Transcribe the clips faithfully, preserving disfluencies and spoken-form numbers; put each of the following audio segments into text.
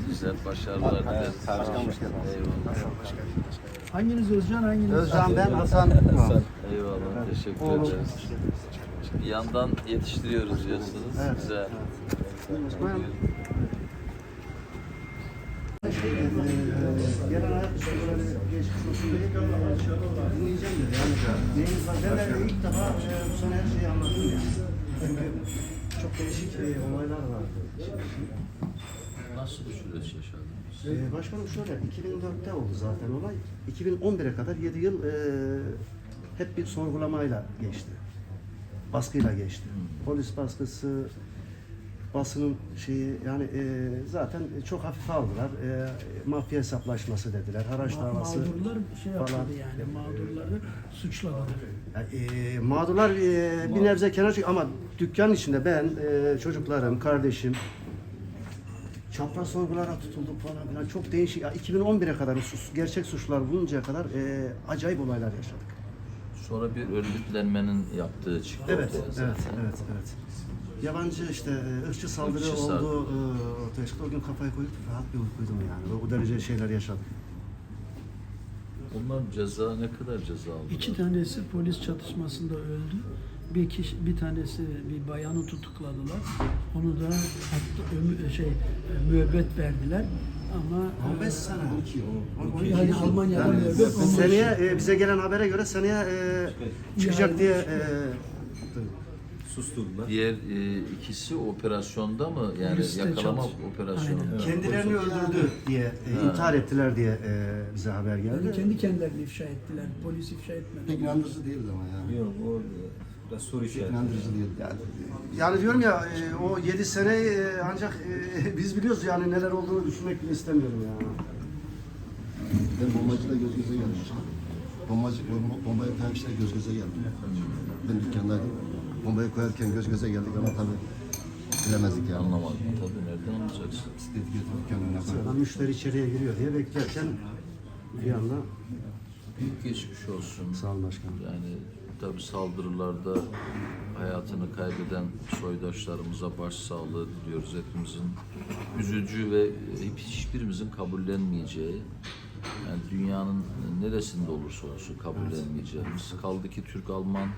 güzel başarılar dileriz. Başkan hoş geldiniz. Eyvallah. Hanginiz Özcan, hanginiz? Özcan ben, Hasan. Hasan, eyvallah. Teşekkür Oğlum. ederiz. Bir yandan yetiştiriyoruz diyorsunuz. Evet. Güzel. Buyurun. Gelen hayat soruları geçmiş olsun diye dinleyeceğim dedi. Yani neyiniz var? Ben de ilk defa e, bu sene her şeyi anladım yani. Çünkü çok değişik e, olaylar vardı. Nasıl bir süreç yaşadınız? Ee, başkanım şöyle, iki bin dörtte oldu zaten olay. iki bin on bire kadar yedi yıl e, hep bir sorgulamayla geçti. Baskıyla geçti. Polis baskısı, basının şeyi yani e, zaten çok hafife aldılar. E, mafya hesaplaşması dediler, haraç Ma- davası Mağdurlar şey yapmadı falan. yani, mağdurları suçladılar. Yani, e, mağdurlar e, bir nebze kenar çık ama dükkanın içinde ben, e, çocuklarım, kardeşim çapraz sorgulara tutulduk falan filan. Çok değişik. Ya, iki bin on bire kadar sus, gerçek suçlar buluncaya kadar e, acayip olaylar yaşadık. Sonra bir örgütlenmenin yaptığı çıktı Evet, ortaya evet, zaten. evet, evet. Yabancı işte e, ırkçı saldırı Irkçı oldu saldırı. e, ortaya çıktı. O gün kafayı koyup rahat bir uykuydum yani. O, o derece şeyler yaşadık. Onlar ceza ne kadar ceza aldılar? İki tanesi polis çatışmasında öldü. Bir kişi, bir tanesi bir bayanı tutukladılar. Onu da hatta ömü- şey müebbet verdiler. Ama on beş sene. yani Almanya'da Yani, müebbet on beş. seneye e, bize gelen habere göre seneye e, çıkacak Yani- diye e, Susturdular. Diğer e, ikisi operasyonda mı? Yani Poliste yakalama çalış- operasyonu. Aynen. kendilerini öldürdü diye e, intihar ettiler diye e, bize haber Yani geldi. kendi kendilerini ifşa ettiler. Polis ifşa etmedi. Pek inandırıcı değildi ama yani. Yok o biraz soru işareti. İnandırıcı değil. Yani, yani diyorum ya e, o yedi seneyi e, ancak e, biz biliyoruz yani neler olduğunu düşünmek bile istemiyorum ya. Ben bombacıyla göz göze geldim. Bombacı, bomba, bombayı koyan kişiler göz göze geldi. Ben dükkandaydım. Bombayı koyarken göz göze geldik ama tabii bilemezdik yani. Anlamadım. Tabii nereden anlayacaksın? Dedi götür dükkanın önüne koy. Sıradan müşteri içeriye giriyor diye beklerken bir anda Büyük geçmiş olsun. sağ olun başkanım. Yani tabii saldırılarda hayatını kaybeden soydaşlarımıza başsağlığı diliyoruz. Hepimizin üzücü ve hiçbirimizin kabullenmeyeceği, yani dünyanın neresinde olursa olsun kabullenmeyeceğimiz. Kaldı ki Türk-Alman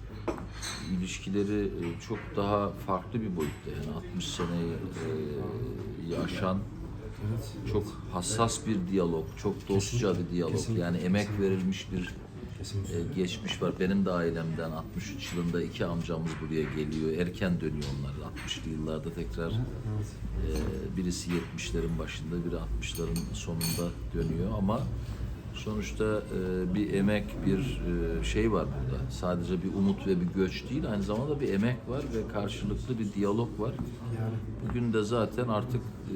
ilişkileri e, çok daha farklı bir boyutta. Yani altmış seneyi e, aşan çok hassas bir diyalog, çok dostça bir diyalog. Yani emek verilmiş bir e, geçmiş var. Benim de ailemden altmış üç yılında iki amcamız buraya geliyor. Erken dönüyor onlar. altmışlı yıllarda tekrar e, birisi yetmişlerin başında, biri altmışların sonunda dönüyor ama sonuçta e, bir emek, bir e, şey var burada. Sadece bir umut ve bir göç değil, aynı zamanda bir emek var ve karşılıklı bir diyalog var. Bugün de zaten artık e,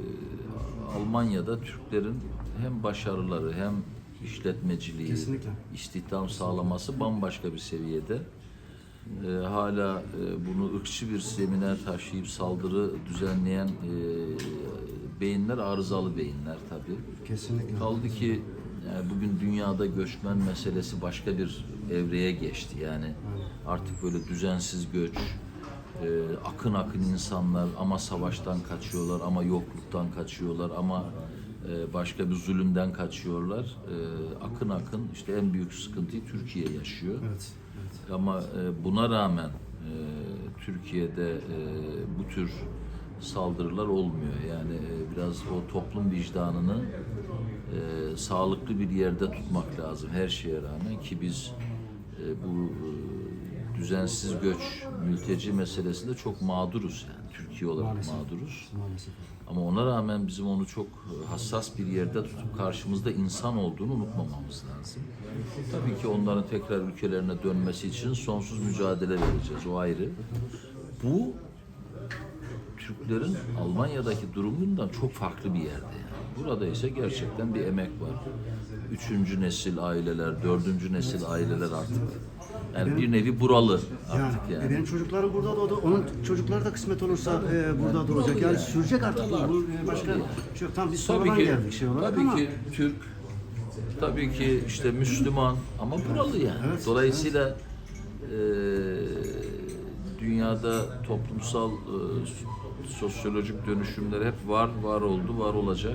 Almanya'da Türklerin hem başarıları hem işletmeciliği, Kesinlikle. istihdam sağlaması bambaşka bir seviyede. Ee, hala e, bunu ırkçı bir zemine taşıyıp saldırı düzenleyen e, beyinler arızalı beyinler tabii. Kesinlikle. Kaldı ki yani bugün dünyada göçmen meselesi başka bir evreye geçti. Yani artık böyle düzensiz göç, e, akın akın insanlar ama savaştan kaçıyorlar, ama yokluktan kaçıyorlar, ama e, başka bir zulümden kaçıyorlar. E, akın akın işte en büyük sıkıntıyı Türkiye yaşıyor. Evet. Ama e, buna rağmen e, Türkiye'de e, bu tür saldırılar olmuyor. Yani e, biraz o toplum vicdanını e, sağlıklı bir yerde tutmak lazım her şeye rağmen ki biz e, bu e, düzensiz göç, mülteci meselesinde çok mağduruz yani Türkiye olarak Maalesef. mağduruz. Maalesef. Ama ona rağmen bizim onu çok hassas bir yerde tutup karşımızda insan olduğunu unutmamamız lazım. Tabii ki onların tekrar ülkelerine dönmesi için sonsuz mücadele vereceğiz, o ayrı. Bu Türklerin Almanya'daki durumundan çok farklı bir yerde yani. Burada ise gerçekten bir emek var. Üçüncü nesil aileler, dördüncü nesil aileler artık. Yani bir nevi buralı artık Yani, yani. benim çocuklarım burada doğdu. Onun çocukları da kısmet olursa e, burada doğacak. Yani, yani. sürecek artık bu. Buralı Bu, e, başka yani. şey yok. Tam biz Tabii sonradan ki, geldik şey olarak tabii ama ki Türk, tabii ki işte Müslüman ama buralı yani. Evet, Dolayısıyla e, dünyada toplumsal e, sosyolojik dönüşümler hep var, var oldu, var olacak.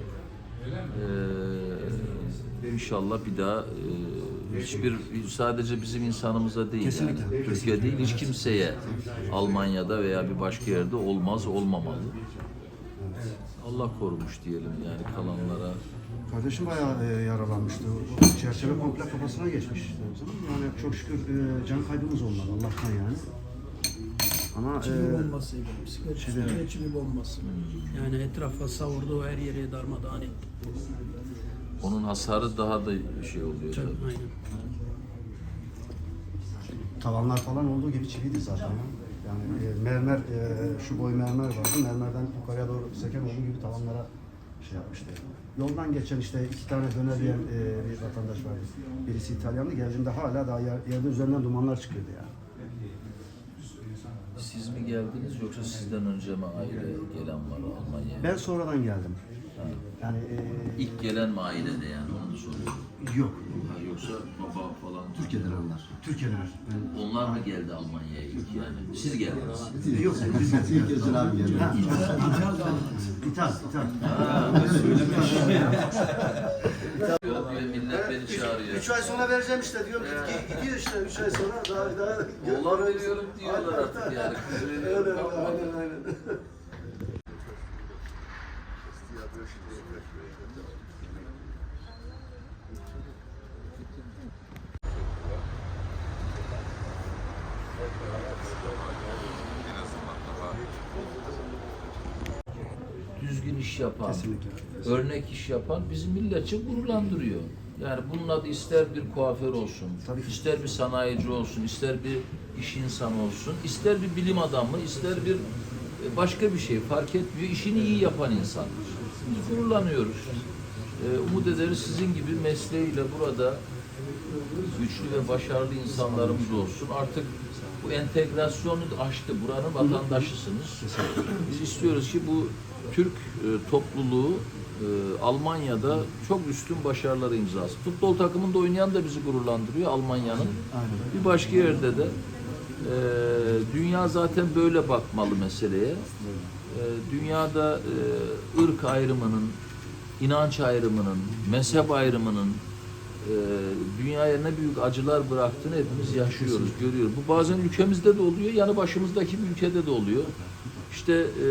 Ee, inşallah bir daha e, hiçbir sadece bizim insanımıza değil, Kesinlikle, yani, Türkiye kesinlikle. değil, hiç kimseye Almanya'da veya bir başka yerde olmaz, olmamalı. Allah korumuş diyelim yani kalanlara. Kardeşim bayağı e, yaralanmıştı. Çerçeve komple kafasına geçmiş. Yani çok şükür e, can kaybımız olmadı Allah'tan yani. Ama Çivi e, bombasıydı. Bisiklet çivi. üstüne çivi bombası. Yani etrafa savurdu, her yere darmadağın etti. Onun hasarı daha da şey oluyor Çok, tabii. aynen. tavanlar falan olduğu gibi çiviydi zaten. Yani e, mermer, e, şu boy mermer vardı. Mermerden yukarıya doğru seken olduğu gibi tavanlara şey yapmıştı. Yoldan geçen işte iki tane döner yiyen e, bir vatandaş vardı. Birisi İtalyanlı. Geldiğinde hala daha yer, yerde üzerinden dumanlar çıkıyordu yani. Siz mi geldiniz yoksa sizden önce mi aile gelen var Almanya'ya? Ben sonradan geldim. Yani e, İlk gelen mi ailede yani onu soruyorum. yok. Ha, yoksa baba falan. Türkiye'den onlar. Türkiye'den. Ben, Onlar mı geldi Almanya'ya ilk yani? Siz geldiniz. yok. Biz İlk Özcan abi geldi. Ha, İthal, ithal. Diyor, millet beni çağırıyor. Üç ay sonra vereceğim işte diyorum. Gid- Gidiyor işte üç ay sonra daha daha. Oğlan veriyorum diyorlar artık yani. Kız Öyle, veriyorum. aynen aynen. Düzgün iş yapan, Kesinlikle. örnek iş yapan bizim milletçe gururlandırıyor. Yani bunun adı ister bir kuaför olsun, Tabii ki. ister bir sanayici olsun, ister bir iş insanı olsun, ister bir bilim adamı, ister bir e, başka bir şey fark etmiyor. İşini iyi yapan insan. Biz gururlanıyoruz. Ee, umut ederiz sizin gibi mesleğiyle burada güçlü ve başarılı insanlarımız olsun. Artık bu entegrasyonu aştı. Buranın vatandaşısınız. Biz istiyoruz ki bu Türk e, topluluğu e, Almanya'da çok üstün başarıları imzası. Futbol takımında oynayan da bizi gururlandırıyor Almanya'nın. Bir başka yerde de e, dünya zaten böyle bakmalı meseleye. E, dünyada e, ırk ayrımının, inanç ayrımının, mezhep ayrımının e, dünyaya ne büyük acılar bıraktığını hepimiz yaşıyoruz, görüyoruz. Bu bazen ülkemizde de oluyor, yanı başımızdaki bir ülkede de oluyor. İşte e,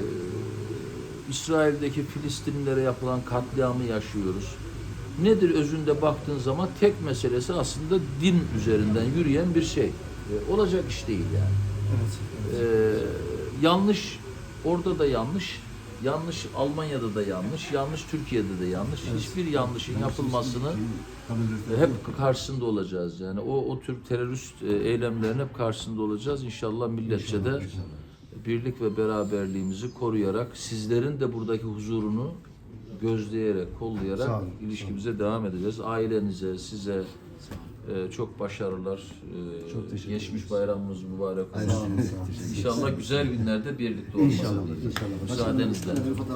İsrail'deki Filistinlilere yapılan katliamı yaşıyoruz. Nedir özünde baktığın zaman tek meselesi aslında din üzerinden yürüyen bir şey. E, olacak iş değil yani. E, yanlış, orada da yanlış, yanlış Almanya'da da yanlış, yanlış Türkiye'de de yanlış. Hiçbir yanlışın yapılmasını hep karşısında olacağız. Yani o o tür terörist e, eylemlerin hep karşısında olacağız. İnşallah milletçe de birlik ve beraberliğimizi koruyarak, sizlerin de buradaki huzurunu gözleyerek, Sağ kollayarak olun, ilişkimize devam edeceğiz. Ailenize, size e, çok başarılar. E, Çok teşekkür geçmiş bayramımız mübarek olsun. Sağ olun, sağ olun. İnşallah güzel günlerde birlikte olmasını İnşallah, diyeceğim. inşallah. Müsaadenizle.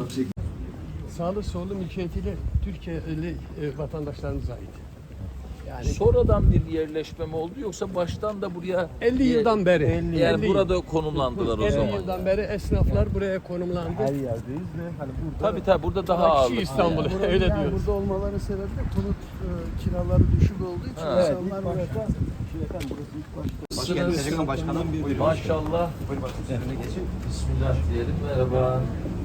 Sağlı sollu mülkiyetiyle Türkiye'li e, vatandaşlarımıza ait. Yani Sonradan bir yerleşme mi oldu yoksa baştan da buraya elli yıldan beri. yani elli burada konumlandılar o elli zaman. yıldan beri esnaflar buraya konumlandı. yerdeyiz ve hani burada Tabii tabii burada daha Kişi ağırlıklı. İstanbul yani. öyle yani diyoruz. burada olmalarının sebebi de konut e, kiraları düşük olduğu için Ha. insanlar burada efendim burası ilk başta Nasılsınız? Başkanım bir Maşallah. Bismillah diyelim. Merhaba.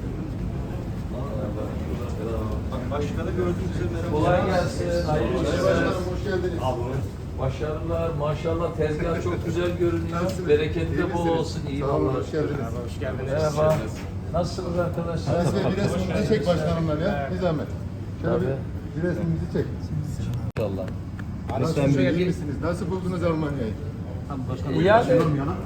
Merhaba. Başkanı gördüğünüzde merhaba. Kolay gelsin. Hayırlı işler. Hoş geldiniz. Başarılar. Maşallah tezgah çok güzel görünüyor. Bereketi de bol olsun. İyi vallahi. Hoş geldiniz. Merhaba. Nasılsınız arkadaşlar? Aras Bey bir resmimizi çek başkanımla ya. Bir zahmet. Şöyle Tabii. bir, bir resmimizi çek. İnşallah. Nasıl iyi misiniz? Nasıl buldunuz Almanya'yı? Yani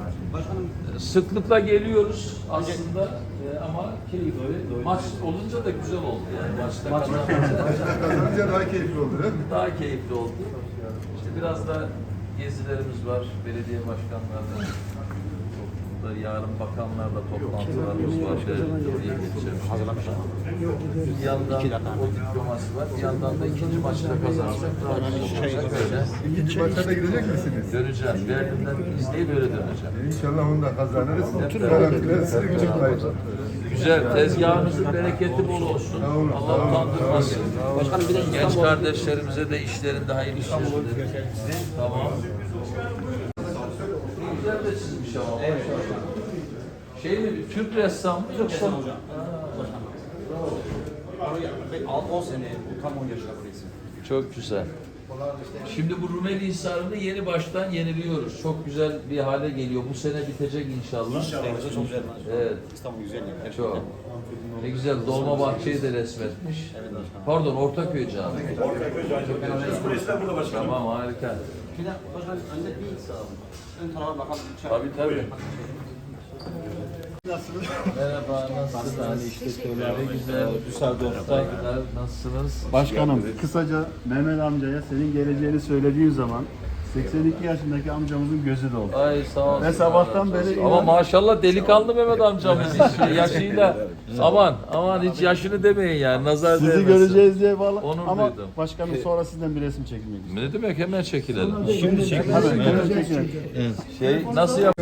sıklıkla geliyoruz aslında e, ama keyifli. Maç olunca da güzel oldu yani. Maçta kazanınca Kazanınca daha keyifli oldu değil mi? daha keyifli oldu. İşte biraz da gezilerimiz var. Belediye başkanlarla, burada yarın bakanlarla toplantılarımız var. Oraya geçeceğim. Bir yandan o diploması var. Bir yandan da ikinci maçı da kazanırsak daha güzel olacak. Böyle İkinci maça da gidecek misiniz? döneceğim. Berlin'den izleyip öyle döneceğim. İnşallah onu da kazanırız. Hep Garantileri size çıkmayacak. Güzel. Tezgahınızın bereketi bol olsun. Allah utandırmasın. Başkanım bir de genç kardeşlerimize de işlerinde hayırlı işler dilerim. Tamam. Güzel de çizmiş ama. Şey mi? Türk ressam mı yoksa? on sene, bu tam on yaşında burası. Çok güzel. Şimdi bu Rumeli Hisarı'nı yeni baştan yeniliyoruz. Çok güzel bir hale geliyor. Bu sene bitecek inşallah. İnşallah çok güzel. Evet. İstanbul güzel yani. Çok. Ne güzel. Dolmabahçe'yi de resmetmiş. Pardon, Ortaköy Camii. Ortaköy Camii. Burada başkanım. Tamam, harika. Bir de başkanım önde bir sağ olun. Ön tarafa bakalım. Tabii tabii. Merhaba, nasılsınız? Ne güzel. Saygılar, nasılsınız? Başkanım, kısaca Mehmet amcaya senin geleceğini söylediğim zaman seksen iki yaşındaki amcamızın gözü doldu. Ay sağ olsun. Ve sabahtan beri Ama inan- maşallah delikanlı Mehmet amcamız hiç yaşıyla. Aman aman hiç yaşını demeyin yani. Nazar Sizi değmesin. göreceğiz diye bağlı. Onur Ama duydum. başkanım sonra sizden bir resim çekmek istiyorum. Ne demek, hemen çekilelim. Hemen, hemen çekilelim. Şey nasıl yap?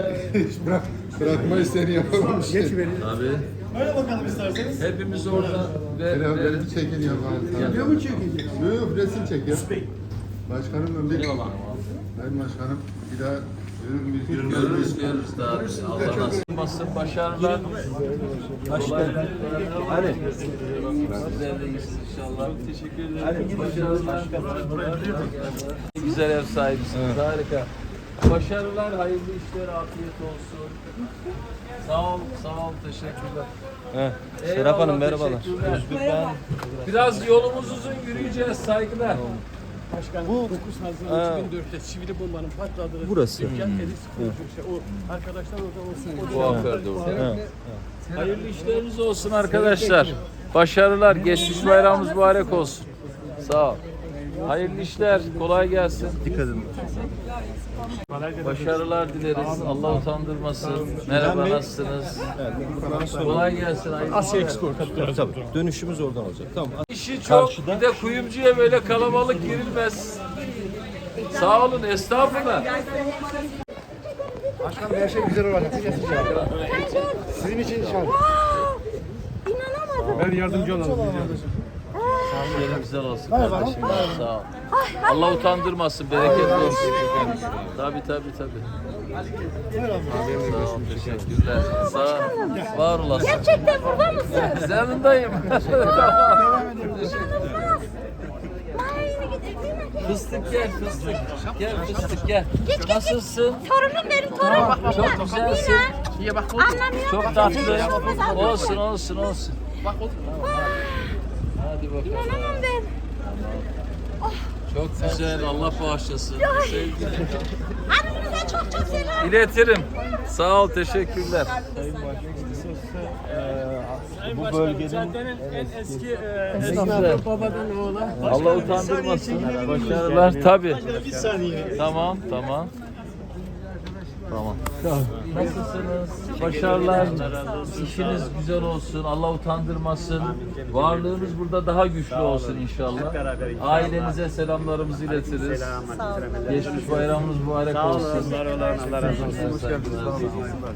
Bırakmayı seni yapalım işte. Abi. Böyle bakalım isterseniz. Hepimiz orada ve Beraber verin. çekin ya. Video mu çekecek? Yok yok resim çek ya. Başkanım ben bir... Sayın Başkanım bir daha görür müyüz? Görürüz görürüz daha. Allah nasip olmasın. Başarılar. Başarılar. Hadi. Sizler de iyisiniz inşallah. Teşekkür ederim. Başarılar. Güzel ev sahibisiniz. Harika. Başarılar, hayırlı işler, afiyet olsun. Sağ ol, sağ ol, teşekkürler. Evet. Serap Hanım merhabalar. Merhaba. Biraz yolumuz uzun, yürüyeceğiz, saygılar. Başkanım dokuz Haziran iki bin dörtte sivil bombanın patladığı Burası. dükkan Elis Şey, o arkadaşlar orada olsun. Kuaförde orada. Hayırlı işleriniz olsun arkadaşlar. Başarılar, geçmiş bayramımız mübarek olsun. Sağ ol. Hayırlı işler, kolay gelsin. Dikkat edin. Başarılar dileriz. Allah utandırmasın. Merhaba, nasılsınız? Kolay gelsin. Asya Export. Dönüşümüz oradan olacak. Tamam. İşi çok. Bir de kuyumcuya böyle kalabalık girilmez. Sağ olun, estağfurullah. Başkanım her şey güzel olacak. Sizin için inşallah. İnanamadım. Ben yardımcı olalım. Şöyle güzel olsun kardeşim. Sağ ol. Allah utandırmasın, bereketli olsun. Tabii tabii tabii. Sağ ol, teşekkürler. Sağ ol. Var olasın. Gerçekten burada mısın? Yanındayım. Tamam. Fıstık gel, fıstık. Gel fıstık gel. Nasılsın? Torunum benim torunum. Çok güzelsin. Anlamıyor Çok musun? tatlı. Olsun, olsun, olsun. Hadi bakalım. İnanamam ben. Çok güzel. Allah bağışlasın. Sevgilim. Hanımınıza çok çok selam. İletirim. Sağ ol, teşekkürler. Bu bölgenin en eski Esnafı babadan oğula. Allah utandırmasın. Başarılar tabii. Tamam, tamam. Tamam. Nasılsınız? Başarılar. İşiniz güzel olsun. Allah utandırmasın. Varlığınız burada daha güçlü olsun inşallah. Ailenize selamlarımızı iletiriz. Geçmiş bayramınız mübarek olsun. Allah razı olsun.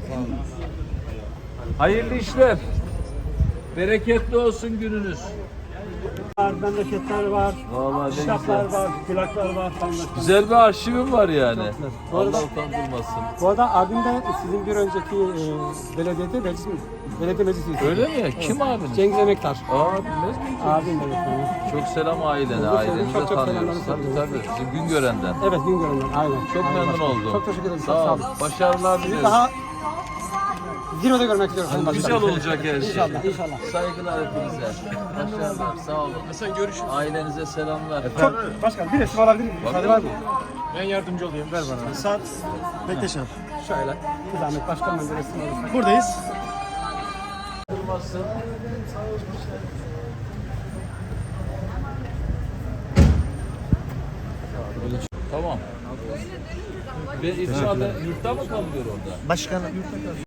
Hayırlı işler. Bereketli olsun gününüz. Memleketler var, Vallahi ne kitaplar güzel. var, plaklar var falan. Güzel bir arşivim var yani. Allah utandırmasın. Bu arada abim de sizin bir önceki e, belediyede meclis, belediye meclis üyesi. Öyle mi? Kim abiniz? Cengiz Emektar. Aa bilmez miyim? Abim de evet. Çok selam ailene, ailenize Çok çok tanıyoruz. selamlar. Tabii tabii. Bizim Güngören'den. Evet Güngören'den aynen. Çok Aynen memnun başkanım. oldum. Çok teşekkür ederim. Sağ ol. olun. Başarılar dileriz. Daha zirvede görmek istiyorum. Sayın Güzel Başkanım. olacak her şey. İnşallah, inşallah. Saygılar hepinize. Başarılar. Sağ olun. Hasan görüşürüz. Ailenize selamlar. Çok başkan bir resim alabilir miyim? Müsaade var mı? Ben yardımcı olayım. Ver bana. Saat bekleşen. Şöyle. Bir zahmet başkanım bir resim alırsak. Buradayız. Durmasın. Tamam. Ve içeride yurtta mı kalıyor orada? Başkanım.